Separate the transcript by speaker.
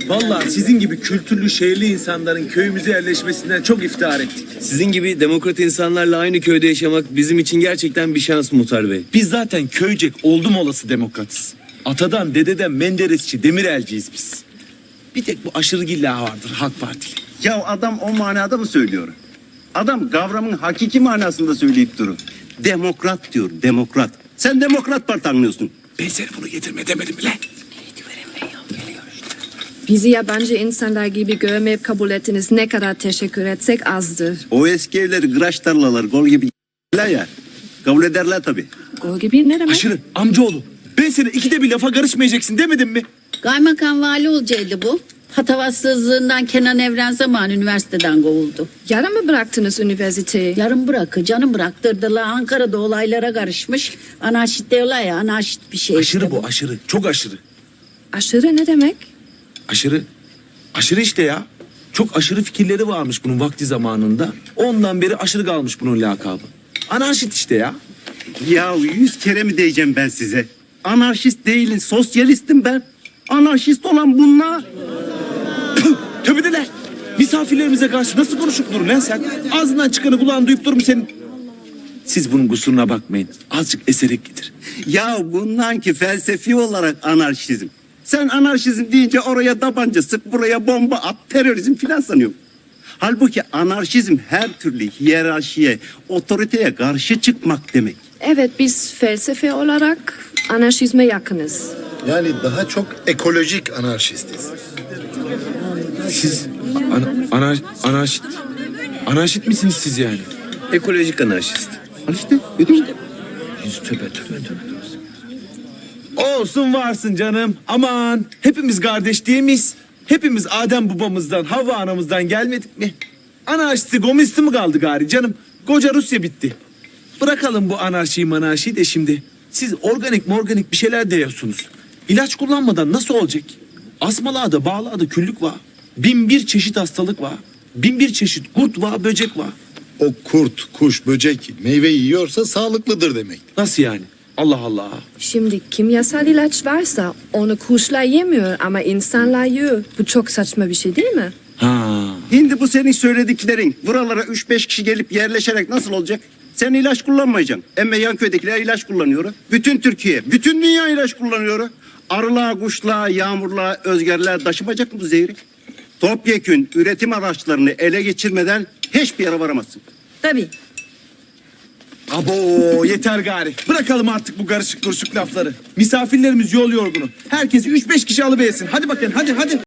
Speaker 1: Vallahi sizin gibi kültürlü, şehirli insanların köyümüze yerleşmesinden çok iftihar ettik.
Speaker 2: Sizin gibi demokrat insanlarla aynı köyde yaşamak bizim için gerçekten bir şans Muhtar Bey.
Speaker 1: Biz zaten köycek oldum olası demokratız. Atadan, dededen Menderesçi, Demirelciyiz biz. Bir tek bu aşırı gilla vardır Halk Partili.
Speaker 3: Ya adam o manada mı söylüyor? Adam kavramın hakiki manasında söyleyip durur. Demokrat diyor, demokrat. Sen Demokrat Parti anlıyorsun.
Speaker 1: Ben seni bunu getirme demedim mi lan?
Speaker 4: Bizi yabancı insanlar gibi görmeyip kabul ettiniz. Ne kadar teşekkür etsek azdır.
Speaker 3: O eski evleri, kıraç tarlalar, gol gibi ya. Kabul ederler tabii.
Speaker 4: Gol gibi ne demek?
Speaker 1: Aşırı, amcaoğlu. Ben seni ikide bir lafa karışmayacaksın demedim mi?
Speaker 5: Kaymakam vali olacaktı bu. Patavatsızlığından Kenan Evren zamanı üniversiteden kovuldu.
Speaker 4: Yarın mı bıraktınız üniversiteyi?
Speaker 5: Yarın bırakı, canım bıraktırdılar. Ankara'da olaylara karışmış. Anarşist diyorlar ya, anarşist bir şey.
Speaker 1: Aşırı
Speaker 5: işte
Speaker 1: bu, aşırı. Çok aşırı.
Speaker 4: Aşırı ne demek?
Speaker 1: Aşırı. Aşırı işte ya. Çok aşırı fikirleri varmış bunun vakti zamanında. Ondan beri aşırı kalmış bunun lakabı. Anarşist işte ya.
Speaker 3: Ya 100 kere mi diyeceğim ben size? Anarşist değilim, sosyalistim ben. Anarşist olan bunlar.
Speaker 1: Töbedeler. Misafirlerimize karşı nasıl konuşup durun lan sen? Ağzından çıkanı kulağın duyup durur mu senin? Siz bunun kusuruna bakmayın. Azıcık eserek getir.
Speaker 3: Ya bundan ki felsefi olarak anarşizm. Sen anarşizm deyince oraya tabanca sık, buraya bomba at, terörizm filan sanıyorum. Halbuki anarşizm her türlü hiyerarşiye, otoriteye karşı çıkmak demek.
Speaker 4: Evet, biz felsefe olarak anarşizme yakınız.
Speaker 6: Yani daha çok ekolojik anarşistiz.
Speaker 1: Siz anarşist misiniz siz yani?
Speaker 2: Ekolojik anarşist.
Speaker 3: Al işte, götür.
Speaker 1: Tövbe. Olsun varsın canım. Aman hepimiz kardeş değil miyiz? Hepimiz Adem babamızdan, Havva anamızdan gelmedik mi? Anarşisti, komünisti mi kaldı gari canım? Koca Rusya bitti. Bırakalım bu anarşiyi de şimdi. Siz organik bir şeyler diyorsunuz. İlaç kullanmadan nasıl olacak? Asmalarda, bağlarda küllük var. 1001 çeşit hastalık var. 1001 çeşit kurt var, böcek var.
Speaker 6: O kurt, kuş, böcek meyve yiyorsa sağlıklıdır demek.
Speaker 1: Nasıl yani? Allah Allah.
Speaker 4: Şimdi kimyasal ilaç varsa onu kuşlar yemiyor ama insanlar yiyor. Bu çok saçma bir şey değil mi?
Speaker 1: Ha.
Speaker 3: Şimdi bu senin söylediklerin buralara 3-5 kişi gelip yerleşerek nasıl olacak? Sen ilaç kullanmayacaksın. Emme yan köydekiler ilaç kullanıyor. Bütün Türkiye, bütün dünya ilaç kullanıyor. Arılar, kuşlar, yağmurlar, özgerler taşımayacak mı bu zehri? Topyekün üretim araçlarını ele geçirmeden hiçbir yere varamazsın.
Speaker 5: Tabii.
Speaker 1: Abo yeter gari. Bırakalım artık bu karışık lafları. Misafirlerimiz yol yorgunu. Herkesi 3-5 kişi alıversin. Hadi bakın hadi.